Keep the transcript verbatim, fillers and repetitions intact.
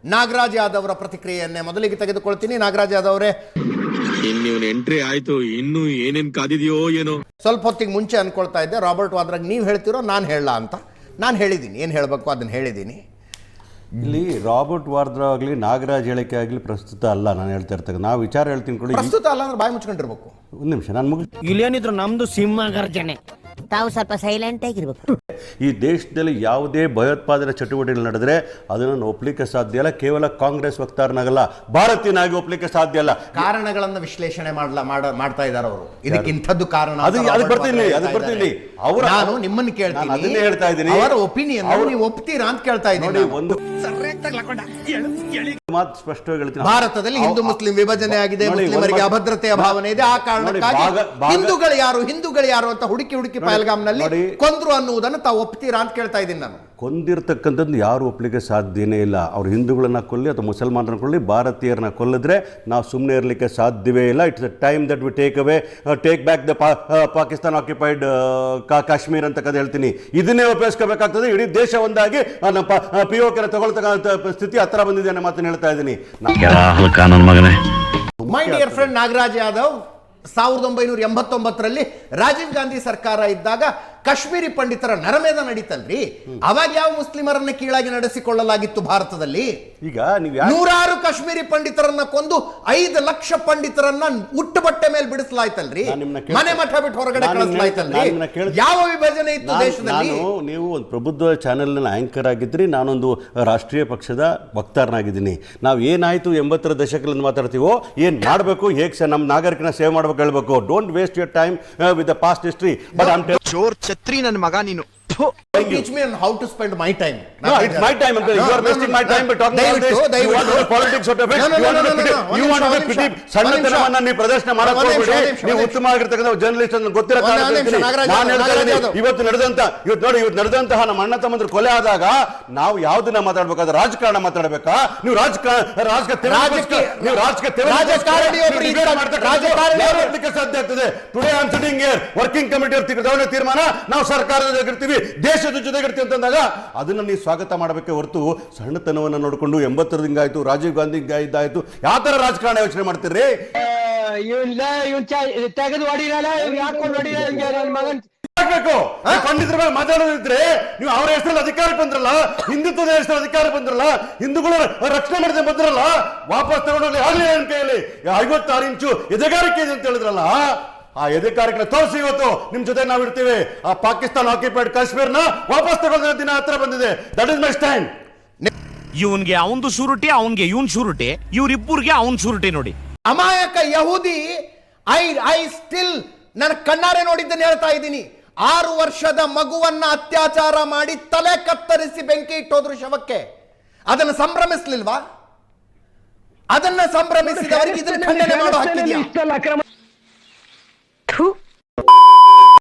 ನಾಗರಾಜ್ ಯಾದವ್ ಅವರ ಪ್ರತಿಕ್ರಿಯೆಯನ್ನೇ ಮೊದಲಿಗೆ ತೆಗೆದುಕೊಳ್ತೀನಿ. ನಾಗರಾಜ್ ಯಾದವ್ ಅವರೇ, ಇನ್ನು ಎಂಟ್ರಿ ಆಯ್ತು, ಇನ್ನು ಏನೇನ್ ಕಾದಿದೆಯೋ ಏನೋ. ಸ್ವಲ್ಪ ಹೊತ್ತಿಗೆ ಮುಂಚೆ ಅನ್ಕೊಳ್ತಾ ಇದ್ದೆ ರಾಬರ್ಟ್ ವಾದ್ರಾಗ್ ನೀವು ಹೇಳ್ತಿರೋ ನಾನು ಹೇಳಲ್ಲ ಅಂತ. ನಾನು ಹೇಳಿದ್ದೀನಿ, ಏನು ಹೇಳಬೇಕು ಅದನ್ನು ಹೇಳಿದ್ದೀನಿ. ಇಲ್ಲಿ ರಾಬರ್ಟ್ ವಾದ್ರಾ ಆಗಲಿ ನಾಗರಾಜ್ ಹೇಳಿಕೆ ಆಗಲಿ ಪ್ರಸ್ತುತ ಅಲ್ಲ. ನಾನು ಹೇಳ್ತಾ ಇರ್ತೇನೆ, ನಾವು ವಿಚಾರ ಹೇಳ್ತೀನಿ ಕೊಡಿ. ಪ್ರಸ್ತುತ ಅಲ್ಲ ಅಂದ್ರೆ ಬಾಯಿ ಮುಚ್ಕೊಂಡಿರ್ಬೇಕು. ಒಂದು ನಿಮಿಷ ನಾನು ಮುಗಿಸ್. ಇಲ್ಲೇನಿದ್ರು ನಮ್ದು ಸಿಂಹ ಗರ್ಜನೆ, ತಾವು ಸ್ವಲ್ಪ ಸೈಲೆಂಟ್ ಆಗಿರ್ಬೇಕು. ಈ ದೇಶದಲ್ಲಿ ಯಾವುದೇ ಭಯೋತ್ಪಾದನೆ ಚಟುವಟಿಕೆಗಳು ನಡೆದ್ರೆ ಅದನ್ನು ಒಪ್ಪಲಿಕ್ಕೆ ಸಾಧ್ಯ ಇಲ್ಲ. ಕೇವಲ ಕಾಂಗ್ರೆಸ್ ವಕ್ತಾರನಾಗಲ್ಲ, ಭಾರತೀಯನಾಗಿ ಒಪ್ಪಲಿಕ್ಕೆ ಸಾಧ್ಯ ಇಲ್ಲ. ಕಾರಣಗಳನ್ನು ವಿಶ್ಲೇಷಣೆ ಮಾಡಲ ಮಾಡ್ತಾ ಇದ್ದಾರೆ ಅವರು. ಇದಕ್ಕೆ ಇಂಥದ್ದು ಕಾರಣ, ಅದು ಅದಕ್ಕೆ ಬರ್ತೀನಿ ಅದಕ್ಕೆ ಬರ್ತೀನಿ ಅವರ ನಾನು ನಿಮ್ಮನ್ನು ಕೇಳ್ತೀನಿ, ಅದನ್ನೇ ಹೇಳ್ತಾ ಇದ್ದೀನಿ. ಅವರ ಒಪಿನಿಯನ್ ನೀವು ಒಪ್ತೀರಾ ಅಂತ ಕೇಳ್ತಾ ಇದ್ದೀನಿ. ನೋಡಿ, ಒಂದು ಮಾತು ಸ್ಪಷ್ಟವಾಗಿ ಹೇಳ್ತೀನಿ. ಭಾರತದಲ್ಲಿ ಹಿಂದೂ ಮುಸ್ಲಿಂ ವಿಭಜನೆ ಆಗಿದೆ, ಮುಸ್ಲಿಮರಿಗೆ ಅಭದ್ರತೆಯ ಭಾವನೆ ಇದೆ. ಆ ಕಾರಣಕ್ಕಾಗಿ ಹಿಂದೂಗಳು ಯಾರು ಹಿಂದೂಗಳು ಯಾರು ಅಂತ ಹುಡುಕಿ ಹುಡುಕಿ ಪಹಲ್ಗಾಮ್ನಲ್ಲಿ ಕೊಂದ್ರು ಅನ್ನುವುದನ್ನು ತಾವು ಒಪ್ತೀರಾ ಅಂತ ಕೇಳ್ತಾ ಇದ್ದೀನಿ ನಾನು. ಕೊಂದಿರ್ತಕ್ಕಂಥದ್ದು ಯಾರು ಒಪ್ಪಲಿಕ್ಕೆ ಸಾಧ್ಯನೇ ಇಲ್ಲ. ಅವ್ರು ಹಿಂದೂಗಳನ್ನ ಕೊಲ್ಲಿ ಅಥವಾ ಮುಸಲ್ಮಾನರನ್ನ ಕೊಲ್ಲಿ, ಭಾರತೀಯರನ್ನ ಕೊಲ್ಲಿದ್ರೆ ನಾವು ಸುಮ್ಮನೆ ಇರಲಿಕ್ಕೆ ಸಾಧ್ಯವೇ ಇಲ್ಲ. It's a time that we take away take back the Pakistan occupied Kashmir ಅಂತ ಕದ ಹೇಳ್ತೀನಿ. ಇದನ್ನೇ ಉಪಯೋಗಿಸ್ಕೋಬೇಕಾಗ್ತದೆ. ಇಡೀ ದೇಶ ಒಂದಾಗಿ ಪಿ ಓ ಕೆನ ತಗೊಳ್ತಕ್ಕಂಥ ಸ್ಥಿತಿ ಹತ್ರ ಬಂದಿದೆ ಅನ್ನೋ ಮಾತನ್ನು ಹೇಳ್ತಾ ಇದ್ದೀನಿ. My dear friend Nagaraj Yadav, ಸಾವಿರದ ಒಂಬೈನೂರ ಎಂಬತ್ತೊಂಬತ್ತರಲ್ಲಿ ರಾಜೀವ್ ಗಾಂಧಿ ಸರ್ಕಾರ ಇದ್ದಾಗ ಕಾಶ್ಮೀರಿ ಪಂಡಿತರ ನರಮೇಧ ನಡೀತಲ್ರಿ. ಅವಾಗ ಯಾವ ಮುಸ್ಲಿಮರನ್ನ ಕೀಳಾಗಿ ನಡೆಸಿಕೊಳ್ಳಲಾಗಿತ್ತು ಭಾರತದಲ್ಲಿ? ಈಗ ನೀವು ನೂರಾರು ಕಾಶ್ಮೀರಿ ಪಂಡಿತರನ್ನ ಕೊಂದು ಐದು ಲಕ್ಷ ಪಂಡಿತರನ್ನ ಉಟ್ಟು ಬಟ್ಟೆ ಮೇಲೆ ಬಿಡಿಸಲಾಯ್ತಲ್ರಿ, ಮನೆ ಮಠ ಬಿಟ್ಟು ಹೊರಗಡೆ ಕಳಿಸಲಾಯ್ತಲ್ರಿ. ಯಾವ ವಿಭಜನೆ ಇತ್ತು ದೇಶದಲ್ಲಿ? ನೀವು ಒಂದು ಪ್ರಬುದ್ಧ ಚಾನೆಲ್ ಆಂಕರ್ ಆಗಿದ್ರಿ, ನಾನೊಂದು ರಾಷ್ಟ್ರೀಯ ಪಕ್ಷದ ವಕ್ತಾರನಾಗಿದ್ದೀನಿ. ನಾವು ಏನಾಯ್ತು ಎಂಬತ್ತರ ದಶಕದಿಂದ ಮಾತಾಡ್ತೀವೋ, ಏನ್ ಮಾಡಬೇಕು, ಹೇಗೆ ನಮ್ಮ ನಾಗರಿಕನ ಸೇವೆ ಮಾಡಬೇಕು ಹೇಳ್ಬೇಕು. Don't waste your time with the past history. But I am ಚೋರ್ ಛತ್ರಿ ನನ್ನ ಮಗ ನೀನು. Teach me on how to spend my time. No, it's my time. You are wasting my time by talking about this. You want to politics out of it. You want to pity. You want to pity. ಸಣ್ಣತನವನ್ನ ನೀವು ಪ್ರದರ್ಶನ ಮಾಡಕ್ಕೆ ಹೋಗಬೇಡಿ. ನೀವು ಉತ್ತಮವಾಗಿರ್ತಕ್ಕಂಥ journalist ಅನ್ನು ಗೊತ್ತಿರೋ ಕಾರಣ ನಾನು ಹೇಳ್ತಾ ಇದ್ದೀನಿ. ಇವತ್ತು ನಡೆದಂತ ಇವತ್ತು ನೋಡಿ ಇವತ್ತು ನಡೆದಂತಹ ನಮ್ಮ ಅಣ್ಣ ತಮ್ಮಂದ್ರು ಕೊಲೆ ಆದಾಗ ನಾವು ಯಾವ್ದನ್ನ ಮಾತಾಡ್ಬೇಕಾದ್ರೆ ರಾಜಕಾರಣ ಮಾತಾಡ್ಬೇಕಾ? ನೀವು ರಾಜಕಾರಣ ರಾಜಕೀಯ ನೀವು ರಾಜಕೀಯ ರಾಜಕಾರಣ ಸಾಧ್ಯ ಆಗ್ತದೆ. Today I am sitting here working committee ಅವ್ರ ತೀರ್ಮಾನ, ನಾವು ಸರ್ಕಾರದ ಜೊತೆಗಿರ್ತೀವಿ, ದೇಶದ ಜೊತೆಗಿರ್ತೀವಿ ಅಂತಂದಾಗ ಅದನ್ನ ನೀವು ಸ್ವಾಗತ ಮಾಡಬೇಕೆ ಹೊರತು ಸಣ್ಣತನವನ್ನ ನೋಡಿಕೊಂಡು ಎಂಬತ್ತರ ಹಿಂಗಾಯ್ತು, ರಾಜೀವ್ ಗಾಂಧಿ ಇದಾಯ್ತು, ಯಾವ ತರ ರಾಜಕಾರಣ ಯೋಚನೆ ಮಾಡ್ತೀರಿ? ಪಂಡಿತರ ಮೇಲೆ ಮಾತಾಡೋದಿದ್ರೆ ನೀವು ಅವರ ಹೆಸರಲ್ಲಿ ಅಧಿಕಾರಕ್ಕೆ ಬಂದ್ರಲ್ಲ, ಹಿಂದುತ್ವದ ಹೆಸರಲ್ಲಿ ಅಧಿಕಾರಕ್ಕೆ ಬಂದ್ರಲ್ಲ, ಹಿಂದೂಗಳು ರಕ್ಷಣೆ ಮಾಡಿದ ಬಂದ್ರಲ್ಲ, ವಾಪಸ್ ತಗೊಂಡೋಗ್ಲಿ ಆಗ್ಲಿ ನನ್ನ ಕೈಯಲ್ಲಿ ಐವತ್ತಾರು ಇಂಚು ಎದೆಗಾರಿಕೆ ಇದೆ ಅಂತ ಹೇಳಿದ್ರಲ್ಲ, ಆ ಎದೆಗಾರಿಕೆ ತೋರಿಸಿ ಇವತ್ತು ನಿಮ್ ಜೊತೆ ನಾವು ಇರ್ತೀವಿ. ಆ ಪಾಕಿಸ್ತಾನ ಆಕ್ಯುಪೈಡ್ ಕಾಶ್ಮೀರ್ನ ವಾಪಸ್ ತಗೊಂಡ ದಿನ ಹತ್ರ ಬಂದಿದೆ. That is my stand. ಇವನ್ಗೆ ಅವನ್ದು ಶೂರಿಟಿ, ಅವನ್ಗೆ ಇವನ್ ಶೂರಿಟಿ, ಇವ್ರಿಬ್ಬರಿಗೆ ಅವನ್ ಶೂರಿಟಿ ನೋಡಿ. ಅಮಾಯಕ ಯಹೂದಿ ಐ ಐ ಸ್ಟಿಲ್ ನನ್ನ ಕಣ್ಣಾರೆ ನೋಡಿದ್ದನ್ನು ಹೇಳ್ತಾ ಇದ್ದೀನಿ. ಆರು ವರ್ಷದ ಮಗುವನ್ನ ಅತ್ಯಾಚಾರ ಮಾಡಿ ತಲೆ ಕತ್ತರಿಸಿ ಬೆಂಕಿ ಇಟ್ಟೋದ್ರು ಶವಕ್ಕೆ. ಅದನ್ನು ಸಂಭ್ರಮಿಸ್ಲಿಲ್ವಾ? ಅದನ್ನ ಸಂಭ್ರಮಿಸಿದವರಿಗೆ ಇದನ್ನ ಖಂಡನೆ ಮಾಡೋ ಹಕ್ಕಿದೆಯಾ?